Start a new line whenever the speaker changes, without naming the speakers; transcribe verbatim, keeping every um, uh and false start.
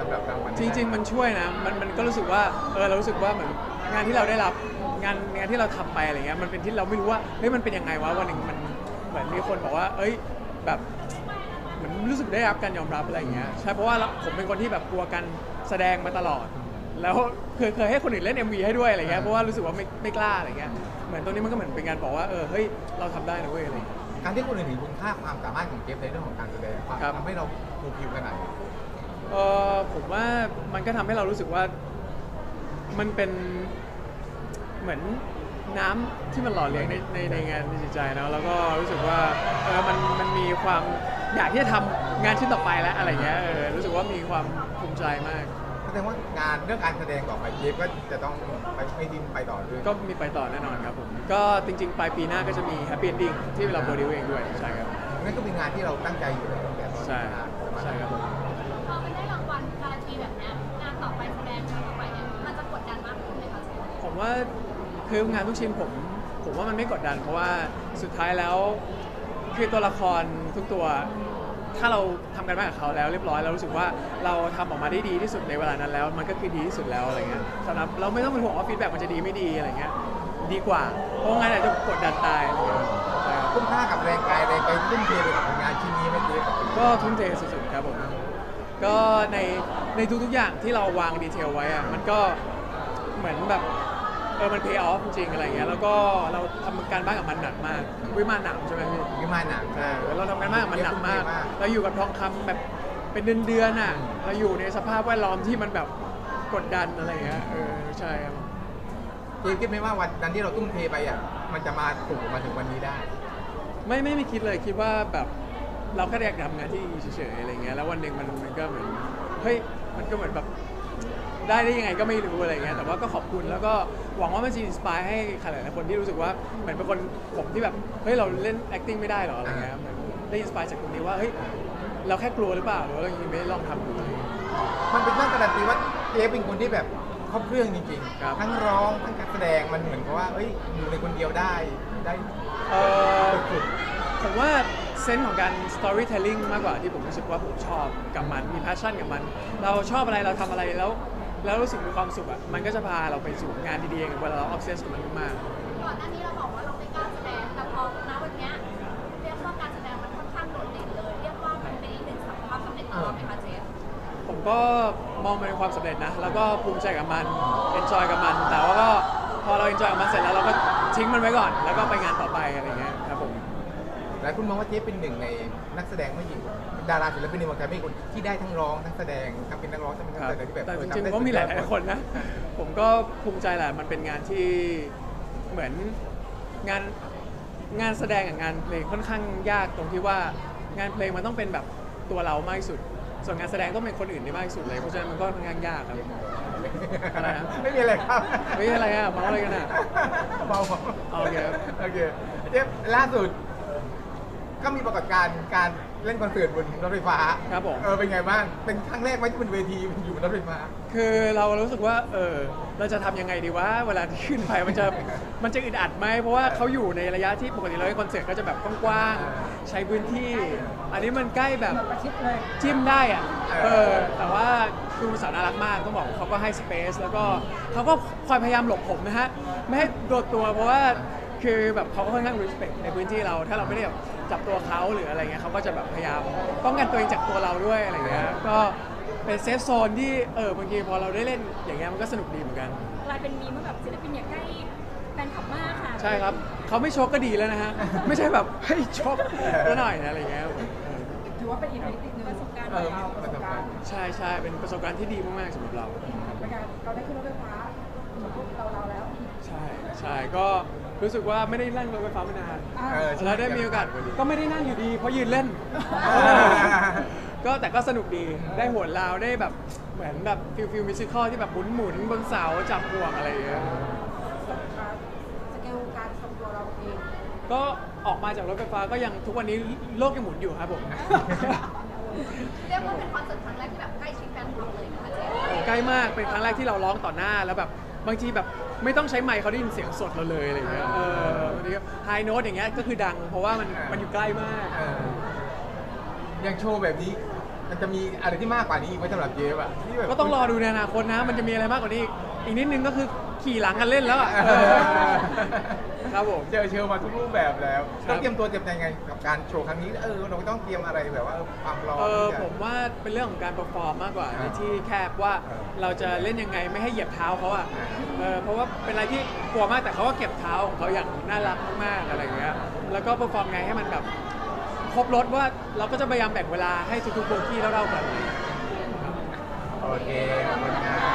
ำหรับรางวัล
จริงๆมันช่วยนะมันมันก็รู้สึกว่าเออเรารู้สึกว่าเหมือนงานที่เราได้รับงานงานที่เราทำไปอะไรเงี้ยมันเป็นที่เราไม่รู้ว่าเฮ้ยมันเป็นยังไงวะวันหนึ่งมันเหมือนมีคนบอกว่าเอ้ยแบบเหมือนรู้สึกได้รับการยอมรับอะไรเงี้ยใช่เพราะว่าผมเป็นคนที่แบบกลัวการแสดงมาตลอดแล้วเคยเคยให้คนอื่นเล่น เอ็ม วี ให้ด้วยอะไรเงี้ยเพราะว่ารู้สึกว่าไม่ไม่กล้าอะไรเงี้ยเหมือนตรงนี้มันก็เหมือนเป็นการบอกว่าเออเฮ้ยเราทำได้นะเว้ยอะไร
การที่คนอื่นเห็นคุณค่าความสามารถของเจฟในเรื่องของการแสดงทำให้เราฟูลฟิลขนาดนี้
เออผมว่ามันก็ทำให้เรารู้สึกว่ามันเป็นเหมือนน้ำที่มันหล่อเลี้ยงในในในงานในจิตใจนะแล้วก็รู้สึกว่าเออมันมันมีความอยากที่จะทำงานชิ้นต่อไปแล้วอะไรเงี้ยเออรู้สึกว่ามีความภูมิใจมาก
แสดงว่างานเรื่องการแสดงต่อไปเจฟก็จะต้องไปไม่ดิ้นไปต่อด้วย
ก็มีไปต่อแน่นอนครับผมก็จริงๆปลายปีหน้าก็จะมี Happy Ending ที่เราโปรดิวเองด้วยใช่ครับ
นั่นก็เป็นงานที่เราตั้งใจอยู่แล้วแต่ตอน
ใช่ใช่ครับผม
พอมันได้รางวัลการันตีแบบนี้งานต่อไปแสดงงานต่อไปเนี่ยมันจะกดดันมากขึ้นไหมคะ
ผมว่าคืองานทุกชิ้นผมผมว่ามันไม่กดดันเพราะว่าสุดท้ายแล้วคือตัวละครทุกตัวถ้าเราทำกันมากับเขาแล้วเรียบร้อยเรารู้สึกว่าเราทำออกมาได้ดีที่สุดในเวลานั้นแล้วมันก็คือดีที่สุดแล้วอะไรเงี้ยสำหรับเราไม่ต้องเป็นห่วงว่าฟีดแบ็กมันจะดีไม่ดีอะไรเงี้ยดีกว่าเพราะงานอาจจะกดดันตาย
คุ้มค่ากับแรงกายแรงใจทุ่มเทไปกับงานชิ้นนี้ไหมเจฟ
ก็ทุ่มเทสุดๆครับผมก็ในในทุกๆอย่างที่เราวางดีเทลไว้อะมันก็เหมือนแบบเออมัน pay off จริงๆอะไรเงี้ยแล้วก็เราทำการบ้านกับมันหนักมากวิมานหนักใช่ไหมพี่
วิมานหนัก
ใช่เราทำการบ้านกับมันหนักมากเราอยู่กับทองคำแบบเป็นเดือนๆน่ะเราอยู่ในสภาพแวดล้อมที่มันแบบกดดันอะไรเงี้ยเออใช่ครับ
เจฟคิดไหมว่าวันนั้นที่เราทุ่มเทไปอ่ะมันจะมาสู่มาถึงวันนี้ได้
ไม่ไม่ไม่คิดเลยคิดว่าแบบเราแค่อยากทำงานที่เฉยๆอะไรเงี้ยแล้ววันหนึ่งมันมันก็เหมือนเฮ้ยมันก็เหมือนแบบได้ได้ยังไงก็ไม่รู้อะไรเงี้ยแต่ว่าก็ขอบคุณแล้วก็หวังว่ามันจะอินสปายให้ใครหลายๆคนที่รู้สึกว่าเหมือนเป็นคนผมที่แบบเฮ้ยเราเล่น acting ไม่ได้หรออะไรเงี้ยเหมือนได้อินสปายจากตรงนี้ว่าเฮ้ยเราแค่กลัวหรือเปล่าหรือว่าเรายังไม่ลองทำดู
มันเป็นเรื่องการันตีว่าเจฟเป็นคนที่แบบครบเครื่องจริงๆทั้งร้องทั้งการแสดงมันเหมือนกับว่าเอ้ยอยู่ในคนเดียวได้ได้
เออผมว่าเซนส์ของการ storytelling มากกว่าที่ผมรู้สึกว่าผมชอบกับมันมี passion กับมันเราชอบอะไรเราทำอะไรแล้วแล้วรู้สึกมีความสุขอ่ะมันก็จะพาเราไปสู่งานดีๆอย่างเวลาเรา obsess กับมันมาก
ก่อนหน้านี้เราบอกว่าเราไม่กล้าแสดงแต่พอณวันนี้เรียกว่าการแสดงมันค่อนข้างโดดเด่นเลยเรียกว่ามันเป็นอีกหนึ่งความสำเร็จของเราไหมคะเจฟ
ผมก็มองมันเป็นความสำเร็จนะแล้วก็ภูมิใจกับมัน enjoy กับมันแต่ว่าก็พอเรา enjoy กับมันเสร็จแล้วเราก็ทิ้งมันไว้ก่อนแล้วก็ไปงานต่อไปอะไรเงี้ยครับผม
หลายคนมองว่าเจฟเป็นหนึ่งในนักแสดงไม่หญิงดาราศิลปินในวงการไม่คนที่ได้ทั้งร้องทั้งแสดงทั้งเป็นนักร้องทั้งเป็นนักแสดงที่แบบ
แต่จริงๆก็มีหลายคนนะผมก็ภูมิใจแหละมันเป็นงานที่เหมือนงานงานแสดงกับงานเพลงค่อนข้างยากตรงที่ว่างานเพลงมันต้องเป็นแบบตัวเรามากที่สุดส่วนงานแสดงต้องเป็นคนอื่นได้มากที่สุดเลยเพราะฉะนั้นมันก็ค่อนข้างยากครับอะไรนะ
ไม่มีอะไรครับ
ไม่มีอะไรอ่ะเมาอะไรกันอ่ะ
เมา
โอเค
โอเคเจฟล่าสุดก็มีปรากฏการณ์การเล่นคอนเสิร์ตบนรถไฟฟ้า
ครับผม
เออเป็นไงบ้างเป็นครั้งแรกไหมที่บนเวทีอยู่บนรถไฟฟ้า
คือเรารู้สึกว่าเออเราจะทำยังไงดีวะเวลาที่ขึ้นไปมันจะมันจะอึดอัดไหมเพราะว่าเขาอยู่ในระยะที่ปกติเราเล่นคอนเสิร์ตก็จะแบบกว้างๆใช้พื้นที่อันนี้มันใกล้แบบจิ้มได้อ่ะเออแต่ว่าคือสาวน่ารักมากต้องบอกเขาก็ให้สเปซแล้วก็เขาก็คอยพยายามหลบผมนะฮะไม่ให้โดดตัวเพราะว่าคือแบบเขาก็ค่อนข้าง respect ในพื้นที่เราถ้าเราไม่ได้แบบจับตัวเขาหรืออะไรเงี้ยเขาก็จะแบบพยายามป้องกันตัวเองจากตัวเราด้วยอะไรเงี้ยก็เป็นเซฟโซนที่เออบางทีพอเราได้เล่นอย่างเงี้ยมันก็สนุกดีเหมือนกัน
กลายเป็นมีเมื่อแบบศิลปินอยากใกล้แฟนคลับมากค่ะ
ใช่ครับเขาไม่ชกก็ดีแล้วนะฮะไม่ใช่แบบเฮ้ยชกก็หน่อยนะอะไรเงี้ย
ถือว่าเป็นอีกหนึ่งประสบการณ์ของเราประสบการณ์
ใช่ใช่เป็นประสบการณ์ที่ดีมากๆสำหรับเรา
เราได้ขึ้นรถไฟฟ้าเราเราแล้ว
ใช่ใช่ก็รู้สึกว่าไม่ได้นั่งรถไฟฟ้ามานานแล้วได้มีโอกาสก็ไม่ได้นั่งอยู่ดีเพราะยืนเล่นก็แต่ก็สนุกดีได้หัวลาวได้แบบเหมือนแบบฟิลฟิลมิวสิคอลที่แบบหมุนหมุนบนเสาจับห่วงอะไรอย่างเงี้ย
สเกลการทรงตัวเราเอง
ก็ออกมาจากรถไฟฟ้าก็ยังทุกวันนี้โลกยังหมุนอยู่ครับผม
เรียกว่าเป็นคอนเสิร์ตครั้งแรกที่แบบใกล้ชิดแฟนคลับเลยนะคะเจ๊
ใกล้มากเป็นครั้งแรกที่เราร้องต่อหน้าแล้วแบบบางทีแบบไม่ต้องใช้ไมค์เขาได้ยินเสียงสดเราเลยอะไรเงี้ยเออบางทีไฮโน้ตอย่างเงี้ยก็คือดังเพราะว่ามันมันอยู่ใกล้มาก
อย่างโชว์แบบนี้มันจะมีอะไรที่มากกว่านี้อีกไหมสำหรับเจฟอะที่แบบ
ก็ต้องรอดูในอนาคตนะ มันจะมีอะไรมากกว่านี้อีกอีกนิดนึงก็คือขี่หลังกันเล่นแล้วอ่ะ
เออ
ครับผม
เจอเชลมาทุกรูปแบบแล้ว
ครับ
ต้องเตรียมตัวเตรียมใจยังไงกับการโชว์ครั้งนี้เออเราต้องเตรียมอะไรแบบว่าเออความพร้อม
เออ
ที่จะ
ผมว่าเป็นเรื่องของการเปอร์ฟอร์มมากกว่า
อ่า
ในที่แคบว่า
เออ
เราจะเล่นยังไงไม่ให้เหยียบเท้าเขาอ่ะ
อ่า
เออเพราะว่าเป็นอะไรที่กลัวมากแต่เขาก็เก็บเท้าของเขาอย่างน่ารักมากๆอะไรอย่างเงี้ยแล้วก็เปอร์ฟอร์มไงให้มันแบบครบรถว่าเราก็จะพยายามแบ่งเวลาให้ทุกๆโบกี้เท่าๆกัน
โอเคขอบคุณครับ